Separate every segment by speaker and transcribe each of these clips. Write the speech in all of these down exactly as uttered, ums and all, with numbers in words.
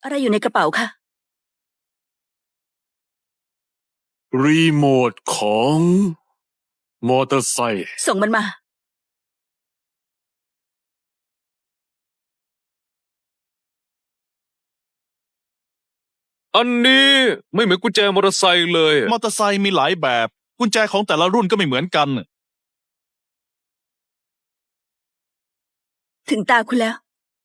Speaker 1: อะไรอยู่ในกระเป๋าคะ
Speaker 2: รีโมทของมอเตอร์ไซค์
Speaker 1: ส่งมันมา
Speaker 3: อันนี้ไม่เหมือนกุญแจมอเตอร์ไซค์เลย
Speaker 4: มอเตอร์ไซค์มีหลายแบบกุญแจของแต่ละรุ่นก็ไม่เหมือนกัน
Speaker 1: ถึงตาคุณแล้ว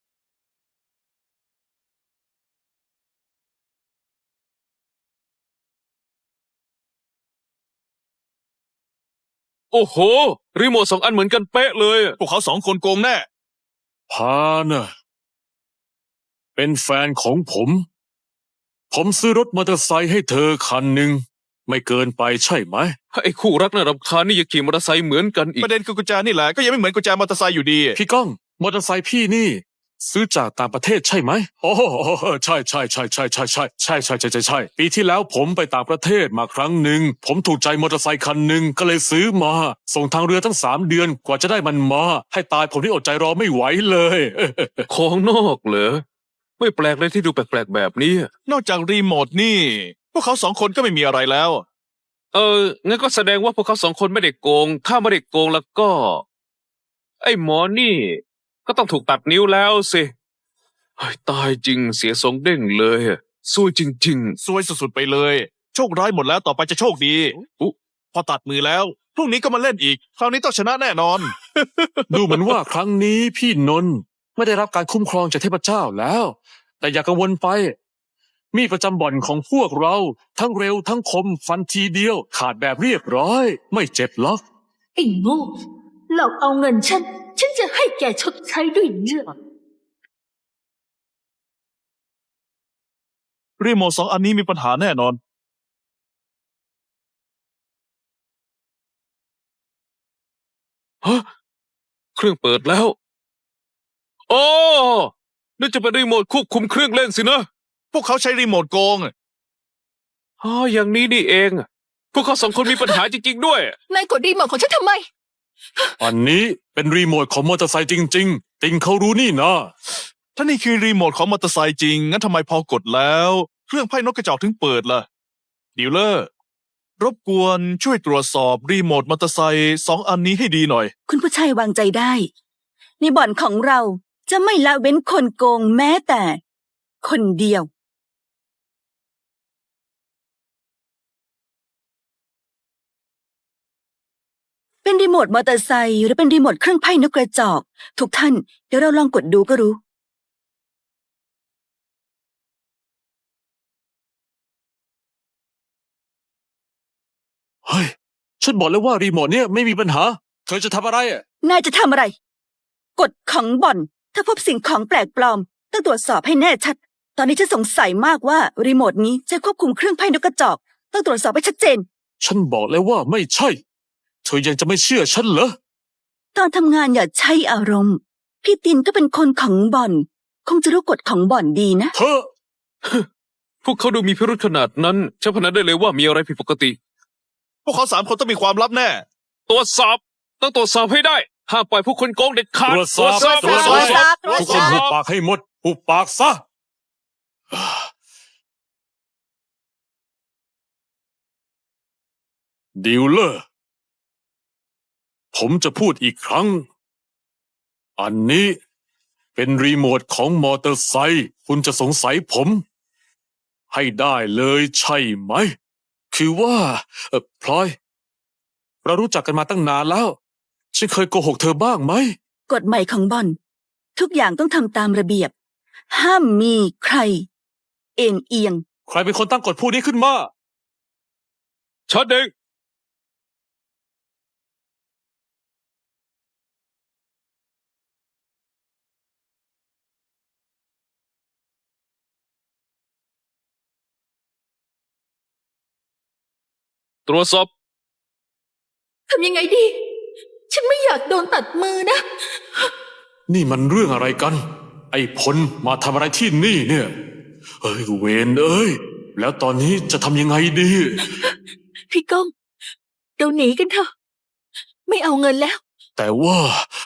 Speaker 3: โอ้โห รีโมทสองอันเหมือนกันเป๊ะเลย
Speaker 4: พวกเขาสองคนโกงแน่
Speaker 2: พานะเป็นแฟนของผม ผมซื้อรถมอเตอร์ไซค์ให้เธอคันหนึ่งไม่เกินไปใช่ไหม
Speaker 3: ไอ้คู่รักน่ารำคาญนี่ยังขี่มอเตอร์ไซค์เหมือนกันอีก
Speaker 4: ประเด็นคือกุญแจนี่แหละก็ยังไม่เหมือนกุญแจมอเตอร์ไซค์อยู่ดี
Speaker 2: พี่ก้องมอเตอร์ไซค์พี่นี่ ซื้อจากต่างประเทศใช่ไหมโอ้ใช่ใช่ใช่ใช่ใช่ใช่ใช่ใช่ใช่ใช่ใช่ปีที่แล้วผมไปต่างประเทศมาครั้งหนึ่งผมถูกใจมอเตอร์ไซค์คันหนึ่งก็เลยซื้อมา ส่งทางเรือตั้งสามเดือนกว่าจะได้มันมา ให้ตายผมที่อดใจรอไม่ไหวเลย
Speaker 3: ของนอกเหรอ ไม่แปลกเลยที่ดูแปลกๆแบบนี้
Speaker 4: นอกจากรีโมทนี่ พวกเขาสองคนก็ไม่มีอะไรแล้ว
Speaker 3: เออ งั้นก็แสดงว่าพวกเขาสองคนไม่ได้โกง ถ้าไม่ได้โกงแล้วก็ ไอ้หมอนี่ ก็ต้องถูกตัดนิ้วแล้วสิเฮ้ยตายจริงเสียทรงเด้งเลยซวยจริง
Speaker 4: ซวยสุดๆไปเลย โชคร้ายหมดแล้วต่อไปจะโชคดีอุ๊พอตัดมือแล้วพรุ่งนี้ก็มาเล่นอีก คราวนี้ต้องชนะแน่นอน
Speaker 2: ดูเหมือนว่าครั้งนี้พี่นนท์ไม่ได้รับการคุ้มครองจากเทพเจ้าแล้ว แต่อย่ากังวลไป มีดประจำบ่อนของพวกเรา ทั้งเร็วทั้งคมฟันทีเดียว ขาดแบบเรียบร้อย ไม่เจ็บหรอก
Speaker 5: ไอ้โง่หลอกเอาเงินฉัน ฉันจะให้แกชดใช้ด้วยเลือด
Speaker 4: รีโมทสองอันนี้มีปัญหาแน่นอน
Speaker 3: ๆ ฮะ เครื่องเปิดแล้ว โอ้นี่จะเป็นรีโมทควบคุมเครื่องเล่นสินะ
Speaker 4: พวกเขาใช้รีโมทโกง
Speaker 3: อ๋อ อย่างนี้นี่เอง พวกเขาสองคนมีปัญหาจริงๆด้วย
Speaker 5: นายกดรีโมทของฉันทำไม
Speaker 2: อันนี้เป็นรีโมทของมอเตอร์ไซค์จริง ๆ ติงเขารู้นี่นะ
Speaker 4: ถ้านี่คือรีโมทของมอเตอร์ไซค์จริง งั้นทำไมพอกดแล้ว เครื่องไพ่นกกระจอกถึงเปิดล่ะดีลเลอร์ รบกวนช่วยตรวจสอบรีโมทมอเตอร์ไซค์สองอันนี้ให้ดีหน่อย
Speaker 1: คุณผู้ชายวางใจได้ ในบ่อนของเราจะไม่ละเว้นคนโกงแม้แต่ คนเดียว เป็นรีโมทมอเตอร์ไซค์หรือเป็นรีโมทเครื่องไพ่นกกระจอก ทุกท่านเดี๋ยวเราลองกดดูก็รู้
Speaker 2: เฮ้ย ฉันบอกแล้วว่ารีโมทเนี่ยไม่มีปัญหา เธอจะทำอะไรอ่ะ
Speaker 1: นายจะทำอะไร กฎของบ่อน ถ้าพบสิ่งของแปลกปลอม ต้องตรวจสอบให้แน่ชัด ตอนนี้ฉันสงสัยมากว่ารีโมทนี้ใช้ควบคุมเครื่องไพ่นกกระจอก ต้องตรวจสอบให้ชัดเจน
Speaker 2: ฉันบอกแล้วว่าไม่ใช่ เธอยังจะไม่เชื่อฉันเหรอ
Speaker 1: ตอนทำงานอย่าใช้อารมณ์ พี่ตินก็เป็นคนของบ่อน คงจะรู้กฎของบ่อนดีนะ
Speaker 2: เธอ
Speaker 3: พวกเขาดูมีพิรุธขนาดนั้นฉันพนันได้เลยว่ามีอะไรผิดปกติ
Speaker 4: พวกเขาสามคนต้องมีความลับแน่
Speaker 3: ตรวจสอบ ต้องตรวจสอบให้ได้ ห้ามปล่อยผู้คนโกงเด็ดขาด
Speaker 2: ตรวจสอบ
Speaker 1: ตรวจสอบ
Speaker 2: ตรวจสอบ
Speaker 1: ตรวจสอบ
Speaker 2: ทุกคนหุบปากให้หมดหุบปากซะ ดีลเลอร์ ผมจะพูดอีกครั้ง อันนี้เป็นรีโมทของมอเตอร์ไซค์คุณจะสงสัยผม ให้ได้เลยใช่ไหม คือว่าเออพลอย เรารู้จักกันมาตั้งนานแล้ว ฉันเคยโกหกเธอบ้างไหม
Speaker 1: กฎใหม่ของบ่อน ทุกอย่างต้องทำตามระเบียบ ห้ามมีใคร เอ็นเอียง
Speaker 2: ใครเป็นคนตั้งกฎพวกนี้ขึ้นมา
Speaker 3: ชัดเองตรวจสอบ
Speaker 5: ทำยังไงดี ฉันไม่อยากโดนตัดมือนะ
Speaker 2: นี่มันเรื่องอะไรกัน ไอ้พลมาทำอะไรที่นี่เนี่ย เอ้ยเวนเอ้ย แล้วตอนนี้จะทำยังไงดี
Speaker 5: พี่ก้องเราหนีกันเถอะ ไม่เอาเงินแล้ว
Speaker 2: แต่ว่า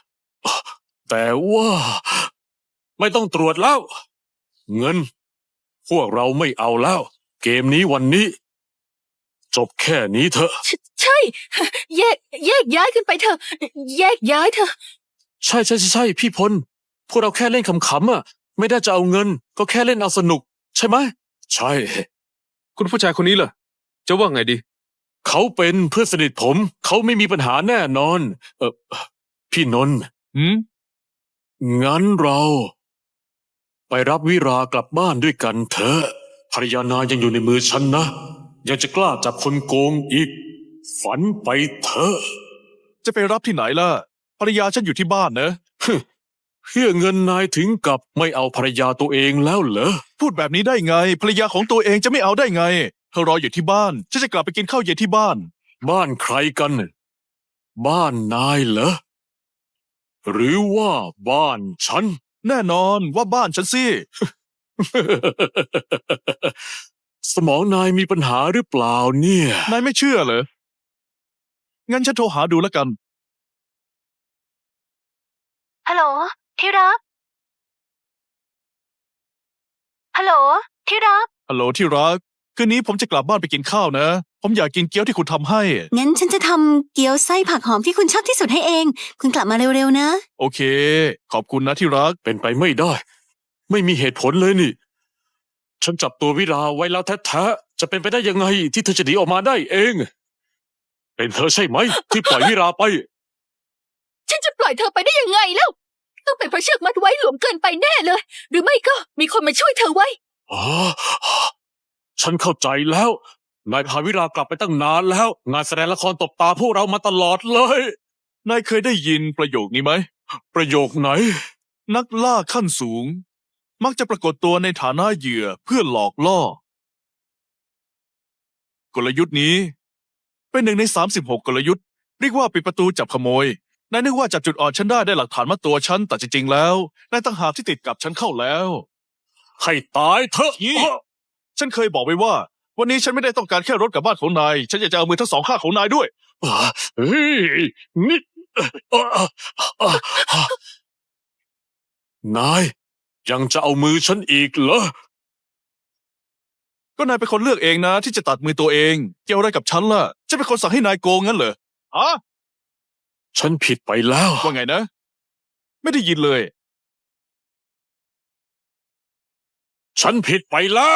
Speaker 2: แต่ว่า ไม่ต้องตรวจแล้ว เงินพวกเราไม่เอาแล้ว เกมนี้วันนี้ จบแค่นี้เถอะ
Speaker 5: ใช่ใช่ แยก แยกย้ายกันไปเถอะ แยกย้ายเถอะ
Speaker 2: ใช่ใช่ใช่ใช่พี่พล พวกเราแค่เล่นขำๆอ่ะ ไม่ได้จะเอาเงิน ก็แค่เล่นเอาสนุก ใช่ไหมใช่
Speaker 3: คุณผู้ชายคนนี้ล่ะ จะว่าไงดี
Speaker 2: เขาเป็นเพื่อนสนิทผม เขาไม่มีปัญหาแน่นอน เออพี่นนท์
Speaker 4: หืม
Speaker 2: งั้นเรา ไปรับวิรากลับบ้านด้วยกันเถอะภรรยานายยังอยู่ในมือฉันนะ ยังจะกล้าจับคนโกงอีก ฝันไปเถอะ
Speaker 4: จะไปรับที่ไหนล่ะ ภรรยาฉันอยู่ที่บ้านนะ
Speaker 2: เพื่อเงินนายถึงกับไม่เอาภรรยาตัวเองแล้วเหรอ
Speaker 4: พูดแบบนี้ได้ไง ภรรยาของตัวเองจะไม่เอาได้ไง เธอรออยู่ที่บ้าน ฉันจะกลับไปกินข้าวเย็นที่บ้าน
Speaker 2: บ้านใครกัน บ้านนายเหรอ หรือว่าบ้านฉัน
Speaker 4: แน่นอนว่าบ้านฉันสิ
Speaker 2: สมองนายมีปัญหาหรือเปล่าเนี่ย
Speaker 4: นายไม่เชื่อเหรอ งั้นฉันโทรหาดูแล้วกัน
Speaker 5: ฮัลโหล ที่รัก ฮัลโหล ที่รัก
Speaker 4: ฮัลโหลที่รัก คืนนี้ผมจะกลับบ้านไปกินข้าวนะ ผมอยากกินเกี๊ยวที่คุณทำให้
Speaker 6: งั้นฉันจะทำเกี๊ยวไส้ผักหอมที่คุณชอบที่สุดให้เอง คุณกลับมาเร็วๆนะ
Speaker 4: โอเค ขอบคุณนะที่รัก
Speaker 2: เป็นไปไม่ได้ ไม่มีเหตุผลเลยนี่ ฉันจับตัววิราไว้แล้วแท้ๆจะเป็นไปได้ยังไงที่เธอจะหนีออกมาได้เอง เป็นเธอใช่ไหม ที่ปล่อยวิราไป
Speaker 5: ฉันจะปล่อยเธอไปได้ยังไงแล้ว ต้องเป็นเพราะเชือกมัดไว้หลวมเกินไปแน่เลย หรือไม่ก็มีคนมาช่วยเธอไว้
Speaker 2: อ๋อ ฉันเข้าใจแล้ว นายพาวิรากลับไปตั้งนานแล้ว งานแสดงละครตบตาพวกเรามาตลอดเลย
Speaker 4: นายเคยได้ยินประโยคนี้ไหม
Speaker 2: ประโยคไหน
Speaker 4: นักล่าขั้นสูง มักจะปรากฏตัวในฐานะเหยื่อเพื่อหลอกล่อ กลยุทธ์นี้ เป็นหนึ่งในสามสิบหกกลยุทธ์ เรียกว่าปิดประตูจับขโมย นายนึกว่าจับจุดอ่อนฉันได้ได้หลักฐานมาตัวฉัน แต่จริงๆแล้ว นายต่างหากที่ติดกับฉันเข้าแล้ว
Speaker 2: ให้ตายเถอะ
Speaker 4: นี่ ฉันเคยบอกไว้ว่า วันนี้ฉันไม่ได้ต้องการแค่รถกลับบ้านของนาย ฉันอยากจะเอามือทั้งสองข้างของนายด้วย
Speaker 2: อ่าเฮ้ยนี่อ่าอ่าอ่าอ่านายยังจะเอามือฉันอีกเหรอ
Speaker 4: ก็นายเป็นคนเลือกเองนะ ที่จะตัดมือตัวเอง เกี่ยวอะไรกับฉันล่ะฉันเป็นคนสั่งให้นายโกงงั้นเหรออะ
Speaker 2: ฉันผิดไปแล้ว
Speaker 4: ว่าไงนะ ไม่ได้ยินเลย
Speaker 2: ฉันผิดไปแล้ว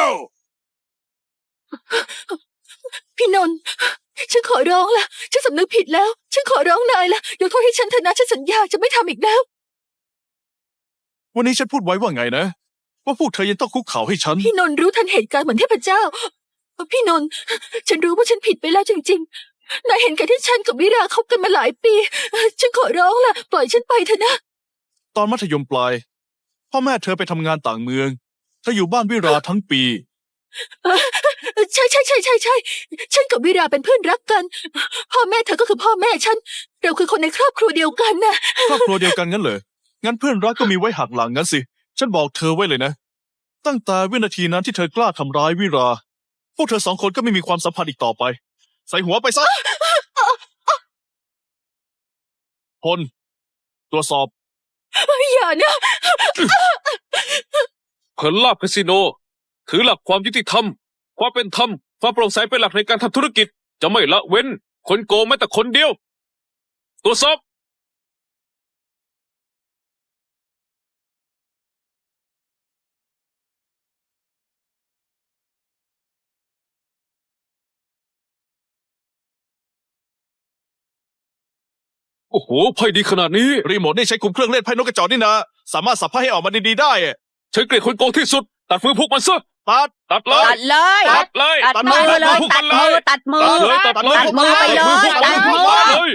Speaker 5: พี่นนท์ฉันขอร้องละฉันสำนึกผิดแล้ว ฉันขอร้องนายละยกโทษให้ฉันเถอะนะฉันสัญญาจะไม่ทำอีกแล้ว
Speaker 4: วันนี้ฉันพูดไว้ว่าไงนะ ว่าพวกเธอยังต้องคุกเข่าให้ฉัน
Speaker 5: พี่นนท์รู้ทันเหตุการณ์เหมือนเทพเจ้า พี่นนท์ฉันรู้ว่าฉันผิดไปแล้วจริงๆ นายเห็นกันที่ฉันกับวิราคบกันมาหลายปี ฉันขอร้องล่ะ ปล่อยฉันไปเถอะนะ
Speaker 4: ตอนมัธยมปลาย พ่อแม่เธอไปทำงานต่างเมืองเธออยู่บ้านวิราทั้งปี
Speaker 5: ใช่ใช่ใช่ใช่ใช่ฉันกับวิราเป็นเพื่อนรักกัน พ่อแม่เธอก็คือพ่อแม่ฉัน เราคือคนในครอบครัวเดียวกันนะ
Speaker 4: ครอบครัวเดียวกันงั้นเหรอ งั้นเพื่อนรักก็มีไว้หักหลังงั้นสิ ฉันบอกเธอไว้เลยนะ ตั้งแต่วินาทีนั้นที่เธอกล้าทำร้ายวิรา พวกเธอสองคนก็ไม่มีความสัมพันธ์อีกต่อไป ใส่หัวไปซะ พล ตรวจสอบ
Speaker 5: อย่านะ
Speaker 3: เผินลาบคาสิโน ถือหลักความยุติธรรม ความเป็นธรรม ความโปร่งใสเป็นหลักในการทำธุรกิจ จะไม่ละเว้น คนโกงแม้แต่คนเดียว ตรวจสอบ โอ้โหไพ่ดีขนาดนี้
Speaker 4: รีโมทนี่ใช้คุมเครื่องเล่นไพ่นกกระจอกนี่นะ สามารถสับไพ่ให้ออกมาดีๆได้อะ
Speaker 3: ฉันเกลียดคนโกงที่สุด ตัดมือพวกมันซะ
Speaker 4: ตัด
Speaker 3: ตัดเล
Speaker 1: ตั
Speaker 3: ย
Speaker 1: ดเลย
Speaker 3: ตัดเลย
Speaker 1: ตัดมือเลย
Speaker 3: พวก
Speaker 1: ตั
Speaker 3: มั
Speaker 1: ด
Speaker 3: นเล
Speaker 1: มือย ตัดมือ
Speaker 3: ตัดเลยตัดเลย
Speaker 1: ตัดมือไปเลยตัดมือ
Speaker 3: ตัดเลย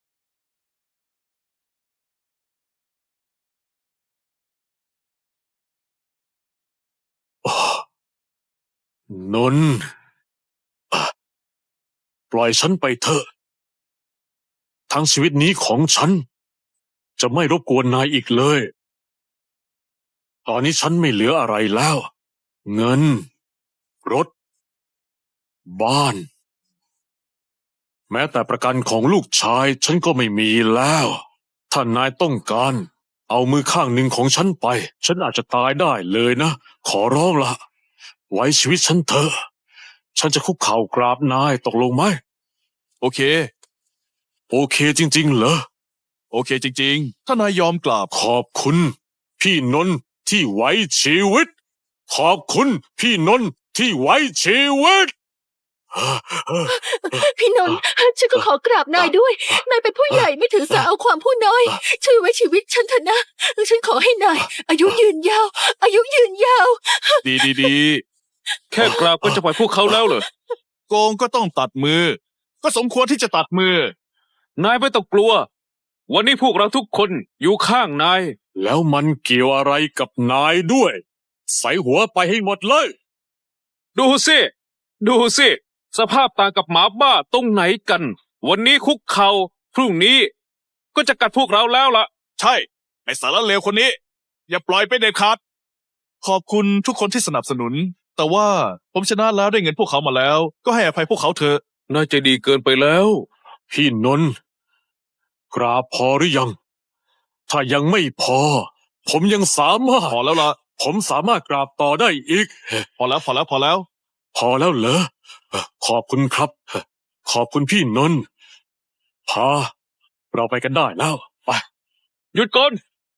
Speaker 2: นนท์อ่ะปล่อยฉันไปเถอะ ทั้งชีวิตนี้ของฉัน จะไม่รบกวนนายอีกเลย ตอนนี้ฉันไม่เหลืออะไรแล้ว เงิน รถ บ้าน แม้แต่ประกันของลูกชายฉันก็ไม่มีแล้ว ถ้านายต้องการ เอามือข้างหนึ่งของฉันไป ฉันอาจจะตายได้เลยนะ ขอร้องละไว้ชีวิตฉันเถอะ ฉันจะคุกเข่ากราบนายตกลงไหม
Speaker 4: โอเค
Speaker 2: โอเคจริง ๆ เหรอ
Speaker 4: โอเคจริงๆ ถ้านายยอมกราบ
Speaker 2: ขอบคุณ พี่นนท์ที่ไว้ชีวิต ขอบคุณพี่นนท์ที่ไว้ชีวิต
Speaker 5: พี่นนท์ฉันก็ขอกราบนายด้วย นายเป็นผู้ใหญ่ไม่ถือสาเอาความผู้น้อย ช่วยไว้ชีวิตฉันเถอะนะ ฉันขอให้นาย อายุยืนยาว อายุยืนยาว
Speaker 4: ดีดีดี
Speaker 3: แค่กราบก็จะปล่อยพวกเขาแล้วเหรอ
Speaker 4: โกงก็ต้องตัดมือ ก็สมควรที่จะตัดมือ
Speaker 3: นายไม่ต้องกลัว วันนี้พวกเราทุกคนอยู่ข้างนาย
Speaker 2: แล้วมันเกี่ยวอะไรกับนายด้วย ใส่หัวไปให้หมดเลย
Speaker 3: ดูสิ ดูสิ สภาพต่างกับหมาบ้าตรงไหนกัน วันนี้คุกเขา่าพรุ่งนี้ ก็จะกัดพวกเราแล้วล่ะ
Speaker 4: ใช่ ไอสารเลวคนนี้ อย่าปล่อยไปเด็ดขาด ขอบคุณทุกคนที่สนับสนุน แต่ว่าผมชนะแล้วได้เงินพวกเขามาแล้ว ก็ให้อภัยพวกเขาเถอะ
Speaker 3: น่าจะดีเกินไปแล้ว
Speaker 2: พี่นนท์กราบพอหรือยัง ถ้ายังไม่พอ ผมยังสามารถ
Speaker 4: พอแล้วล่ะ
Speaker 2: ผมสามารถกราบต่อได้อีก
Speaker 4: พอแล้วพอแล้วพอแล้ว
Speaker 2: พอแล้วเหรอ ขอบคุณครับ ขอบคุณพี่นนท์พาเราไปกันได้แล้ว ไป
Speaker 3: หยุดก่อน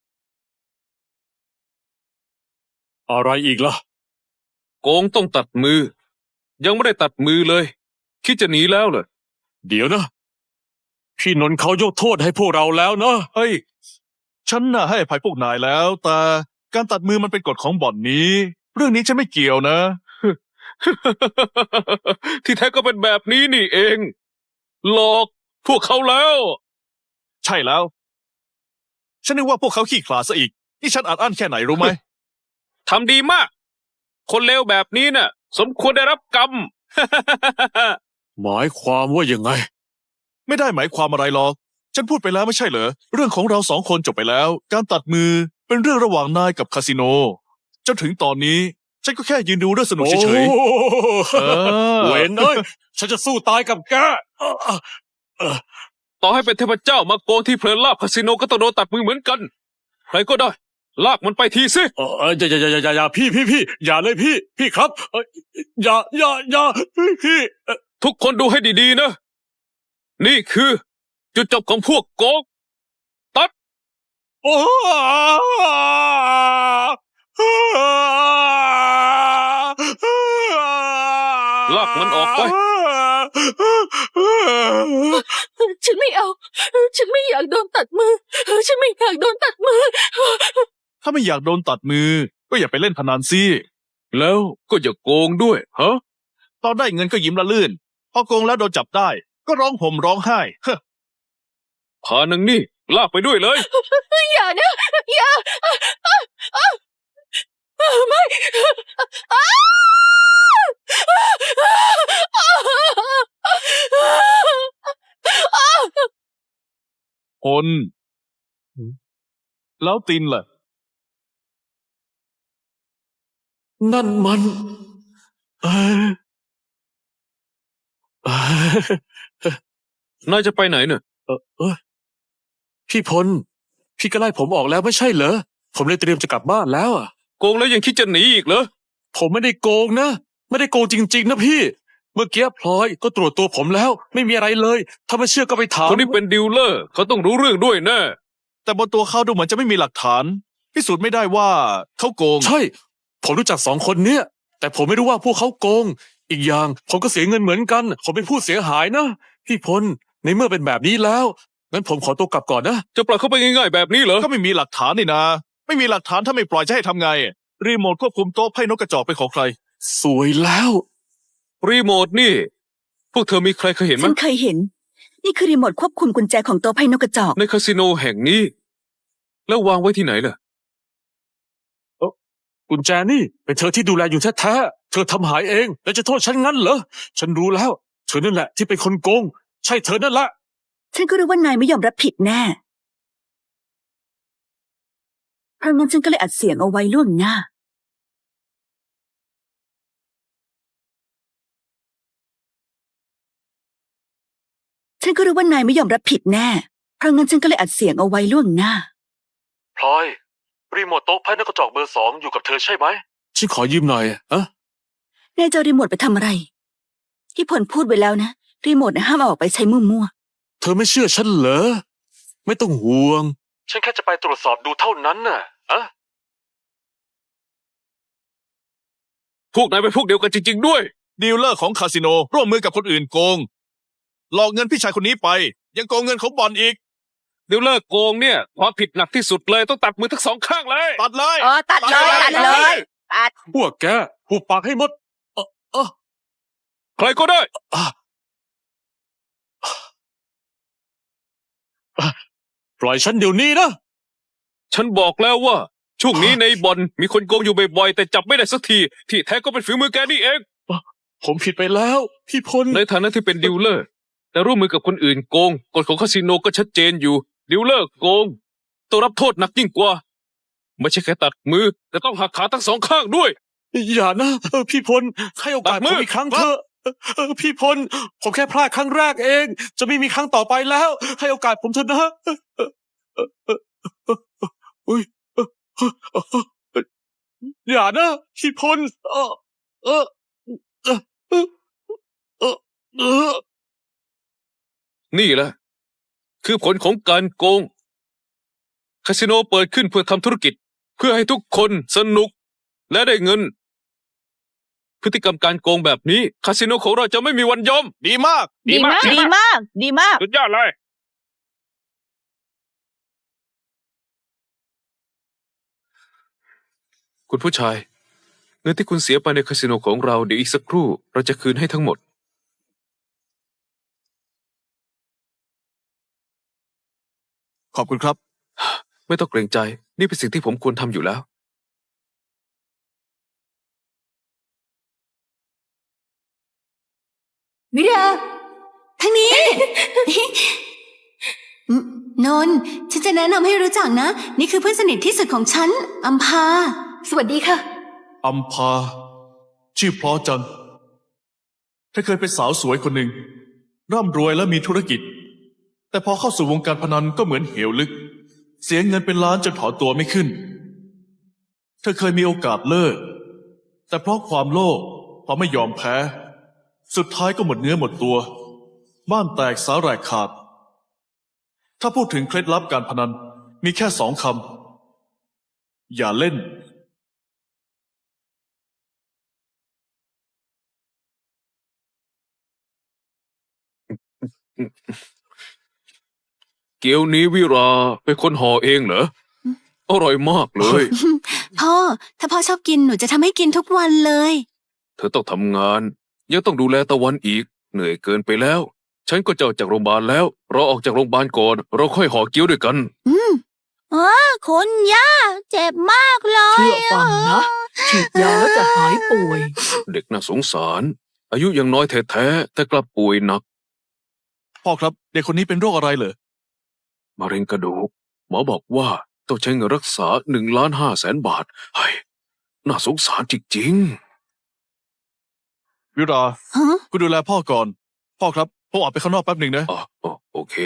Speaker 2: อะไรอีกล่ะ
Speaker 3: โกงต้องตัดมือ ยังไม่ได้ตัดมือเลย คิดจะหนีแล้วเหรอ
Speaker 2: เดี๋ยวนะ พี่นนท์เขายกโทษให้พวกเราแล้วนะ
Speaker 4: เฮ้ย ฉันน่ะให้อภัยพวกนายแล้ว แต่การตัดมือมันเป็นกฎของบ่อนนี้ เรื่องนี้ฉันไม่เกี่ยวนะ
Speaker 3: ที่แท้ก็เป็นแบบนี้นี่เอง หลอกพวกเขาแล้ว
Speaker 4: ใช่แล้ว ฉันนึกว่าพวกเขาขี้ขลาดซะอีก นี่ฉันอัดอั้นแค่ไหนรู้ไหม
Speaker 3: ทำดีมาก คนเลวแบบนี้น่ะ สมควรได้รับกรรม
Speaker 2: หมายความว่ายังไง
Speaker 4: ไม่ได้หมายความอะไรหรอก ฉันพูดไปแล้วไม่ใช่เหรอ เรื่องของเราสองคนจบไปแล้ว การตัดมือเป็นเรื่องระหว่างนายกับคาสิโน จนถึงตอนนี้ ฉันก็แค่ยืนดูเรื่องสนุกเฉย
Speaker 2: โอ้
Speaker 4: ๆเออ
Speaker 2: เวนเอ้ย ฉันจะสู้ตายกับแก
Speaker 3: ต่อให้เป็นเทพเจ้ามาโกงที่เพลินลาบคาสิโนก็ต้องโดนตัดมือเหมือนกัน ใครก็ได้ ลากมันไปทีสิ
Speaker 2: เอออย่าอย่าอย่าอย่าอย่าพี่พี่พี่อย่าเลยพี่ พี่ครับเอ้ยอย่าอย่าอย่าพี่พี่เอ่อ
Speaker 3: ทุกคนดูให้ดีๆนะ นี่คือ จุดจบของพวกโกง ตัด
Speaker 2: โอ้
Speaker 3: ลากมันออกไป
Speaker 5: ฉันไม่เอา ฉันไม่อยากโดนตัดมือ ฉันไม่อยากโดนตัดมือ
Speaker 4: ถ้าไม่อยากโดนตัดมือ ก็อย่าไปเล่นพนันสิ
Speaker 3: แล้วก็อย่าโกงด้วย ฮะ
Speaker 4: ตอนได้เงินก็ยิ้มละลื่น พอโกงแล้วโดนจับได้ ก็ร้องห่มร้องไห้เฮ้อ
Speaker 3: พานังนี่ ลากไปด้วยเลย
Speaker 5: อย่านะ อย่าไม่
Speaker 4: พลแล้วตินล่ะ
Speaker 2: นั่นมัน เออเออน
Speaker 3: ายจะไปไหนเนี่ย
Speaker 2: เออเออพี่พล พี่ก็ไล่ผมออกแล้วไม่ใช่เหรอ ผมเลยเตรียมจะกลับบ้านแล้วอ่ะ
Speaker 3: โกงแล้วยังคิดจะหนีอีกเหรอ
Speaker 2: ผมไม่ได้โกงนะ ไม่ได้โกงจริง ๆ นะพี่ เมื่อกี้พลอยก็ตรวจตัวผมแล้ว ไม่มีอะไรเลย ถ้าไม่เชื่อก็ไปถาม
Speaker 3: คนที่เป็นดีลเลอร์ เขาต้องรู้เรื่องด้วยแน่
Speaker 4: แต่บนตัวเขาดูเหมือนจะไม่มีหลักฐาน พิสูจน์ไม่ได้ว่าเขาโกง
Speaker 2: ใช่ ผมรู้จักสองคนเนี้ย แต่ผมไม่รู้ว่าพวกเขาโกง อีกอย่างผมก็เสียเงินเหมือนกัน ผมเป็นผู้เสียหายนะ พี่พล ในเมื่อเป็นแบบนี้แล้ว งั้นผมขอตัวกลับก่อนนะ
Speaker 3: จะปล่อยเขาไปง่ายๆแบบนี้เหรอ
Speaker 4: ก็ไม่มีหลักฐานนี่นะ ไม่มีหลักฐานถ้าไม่ปล่อยจะให้ทำไง รีโมทควบคุมโต๊ะไพ่นกกระจอกเป็นของใคร
Speaker 2: สวยแล้ว
Speaker 3: รีโมทนี่ พวกเธอมีใครเคยเห็นไหม
Speaker 1: ฉันเคยเห็น นี่คือรีโมทควบคุมกุญแจของโต๊ะไพ่นกกระจอก
Speaker 3: ในคาสิโนแห่งนี้ แล้ววางไว้ที่ไหนล่ะ
Speaker 2: กุญแจนี่เป็นเธอที่ดูแลอยู่แท้ๆ เธอทำหายเอง แล้วจะโทษฉันงั้นเหรอ ฉันรู้แล้ว เธอนั่นแหละที่เป็นคนโกง ใช่เธอนั่นแหละ
Speaker 1: ฉันก็รู้ว่านายไม่ยอมรับผิดแน่ เพราะงั้นฉันก็เลยอัดเสียงเอาไว้ล่วงหน้า ฉันก็รู้ว่านายไม่ยอมรับผิดแน่ เพราะงั้นฉันก็เลยอัดเสียงเอาไว้ล่วงหน้า
Speaker 2: พลอย รีโมทโต๊ะไพ่นกกระจอกเบอร์สองอยู่กับเธอใช่ไหม ฉันขอยืมหน่อยอะ
Speaker 1: นายจะเอารีโมทไปทำอะไร ที่ผลพูดไว้แล้วนะ รีโมทนะห้ามเอาออกไปใช้มั่ว
Speaker 2: เธอไม่เชื่อฉันเหรอ ไม่ต้องห่วง ฉันแค่จะไปตรวจสอบดูเท่านั้นน่ะอะ
Speaker 3: พวกนายเป็นพวกเดียวกันจริงๆด้วย
Speaker 4: ดีลเลอร์ของคาสิโนร่วมมือกับคนอื่นโกง หลอกเงินพี่ชายคนนี้ไป ยังโกงเงินของบอลอีก
Speaker 3: เดี๋ยวเลิกโกงเนี่ยความผิดหนักที่สุดเลยต้องตัดมือทั้งสองข้างเลย
Speaker 4: ตัดเลย
Speaker 1: ๆ อ๋อ ตัดเลย ตัดเลย ตัด
Speaker 2: พวกแกหุบปากให้หมดเออเออ
Speaker 3: ใครก็ได้
Speaker 2: อ่ะอ่ะปล่อยฉันเดี๋ยวนี้นะ
Speaker 3: ฉันบอกแล้วว่า ช่วงนี้ในบ่อนมีคนโกงอยู่บ่อยๆแต่จับไม่ได้สักที ที่แท้ก็เป็นฝีมือแกนี่เอง
Speaker 2: ผมผิดไปแล้ว พี่พล
Speaker 3: ในฐานะที่เป็นดิวเลอร์ แต่ร่วมมือกับคนอื่นโกงกฎของคาสิโนก็ชัดเจนอยู่ ดิวเลอร์โกงต้องรับโทษหนักยิ่งกว่า ไม่ใช่แค่ตัดมือ แต่ต้องหักขาทั้งสองข้างด้วย
Speaker 2: อย่านะเออพี่พลให้โอกาส
Speaker 3: ตัดมื
Speaker 2: ผ
Speaker 3: อ
Speaker 2: มอีกครั้งเถอะเออเออพี่พลผมแค่พลาดครั้งแรกเอง จะไม่มีครั้งต่อไปแล้ว ให้โอกาสผมเถอะนะเออเออเออเออเออเอออุ๊ยเออเออเออเอออย่านะพี่พลเออเออเออเออเออเออ
Speaker 3: นี่แหละ คือผลของการโกง คาสิโนเปิดขึ้นเพื่อทำธุรกิจ เพื่อให้ทุกคนสนุก และได้เงิน พฤติกรรมการโกงแบบนี้ คาสิโนของเราจะไม่มีวันยอม
Speaker 4: ดีมาก
Speaker 1: ดีมาก ดีมาก ดีมาก
Speaker 3: สุดยอดเลย คุณผู้ชาย เงินที่คุณเสียไปในคาสิโนของเราเดี๋ยวอีกสักครู่เราจะคืนให้ทั้งหมด
Speaker 4: ขอบคุณครับ
Speaker 3: ไม่ต้องเกรงใจ นี่เป็นสิ่งที่ผมควรทำอยู่แล้ว
Speaker 5: มิรา
Speaker 6: ทางนี้ อืมนนท์ฉันจะแนะนำให้รู้จักนะ นี่คือเพื่อนสนิทที่สุดของฉัน อัมพา
Speaker 5: สวัสดีค่ะ
Speaker 4: อัมพา ชื่อเพราะจังเธอเคยเป็นสาวสวยคนหนึ่ง ร่ำรวยและมีธุรกิจ แต่พอเข้าสู่วงการพนันก็เหมือนเหวลึก เสียเงินเป็นล้านจนถอนตัวไม่ขึ้น เธอเคยมีโอกาสเลิก แต่เพราะความโลภเพราะไม่ยอมแพ้ สุดท้ายก็หมดเนื้อหมดตัว บ้านแตกสาแหรกขาด ถ้าพูดถึงเคล็ดลับการพนันมีแค่สองคำอย่าเล่น
Speaker 3: เกี๊ยวนี้วิราเป็นคนห่อเองเหรอ อร่อยมากเลย
Speaker 6: พ่อ ถ้าพ่อชอบกินหนูจะทำให้กินทุกวันเลย
Speaker 3: เธอต้องทำงาน ยังต้องดูแลตะวันอีก เหนื่อยเกินไปแล้ว ฉันก็จะออกจากโรงพยาบาลแล้ว เราออกจากโรงพยาบาลก่อน เราค่อยห่อเกี๊ยวด้วยกัน
Speaker 6: อืม
Speaker 1: คุณย่า เจ็บมากเลย
Speaker 7: เชื่อฟังนะ ฉีดยาแล้วจะหายป่วย
Speaker 3: เด็กน่าสงสาร อายุยังน้อยแท้ๆแต่กลับป่วยหนัก
Speaker 4: พ่อครับเด็กคนนี้เป็นโรคอะไรเหรอ
Speaker 3: มะเร็งกระดูก หมอบอกว่าต้องใช้เงินรักษาหนึ่งล้านห้าแสนบาทเฮ้ยน่าสงสารจริง
Speaker 4: วิรา
Speaker 6: ฮะ
Speaker 4: คุณดูแลพ่อก่อน พ่อครับผมออกไปข้างนอกแป๊บหนึ่งนะ
Speaker 3: ๆอ๋ออ๋อโอเค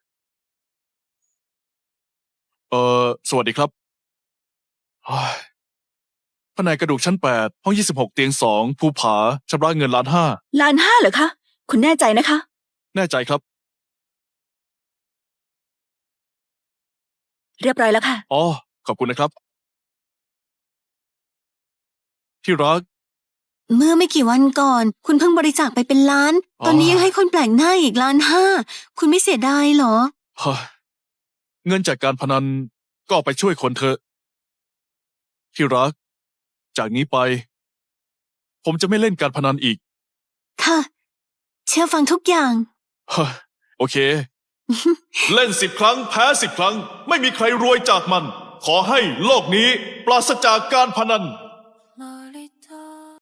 Speaker 4: เอ่อ สวัสดีครับเฮ้ยแผนกกระดูกชั้นแปดห้องยี่สิบหกเตียงสองภูผาชำระเงินล้านห้า
Speaker 1: ล้านห้าเหรอคะ คุณแน่ใจนะคะ
Speaker 4: แน่ใจครับ
Speaker 1: เรียบร้อยแล้วค่ะ
Speaker 4: อ๋อ ขอบคุณนะครับ ที่รัก
Speaker 6: เมื่อไม่กี่วันก่อน คุณเพิ่งบริจาคไปเป็นล้าน
Speaker 4: อ๋อ
Speaker 6: ตอนนี้ยังให้คนแปลกหน้าอีกล้านห้า คุณไม่เสียดายเหรอ
Speaker 4: เฮ้ยเงินจากการพนันก็เอาไปช่วยคนเถอะ ที่รัก จากนี้ไป ผมจะไม่เล่นการพนันอีก
Speaker 6: ค่ะ เชื่อฟังทุกอย่าง
Speaker 4: เฮ้ยโอเค เล่นสิบครั้งแพ้สิบครั้ง ไม่มีใครรวยจากมัน ขอให้โลกนี้ปราศจากการพนัน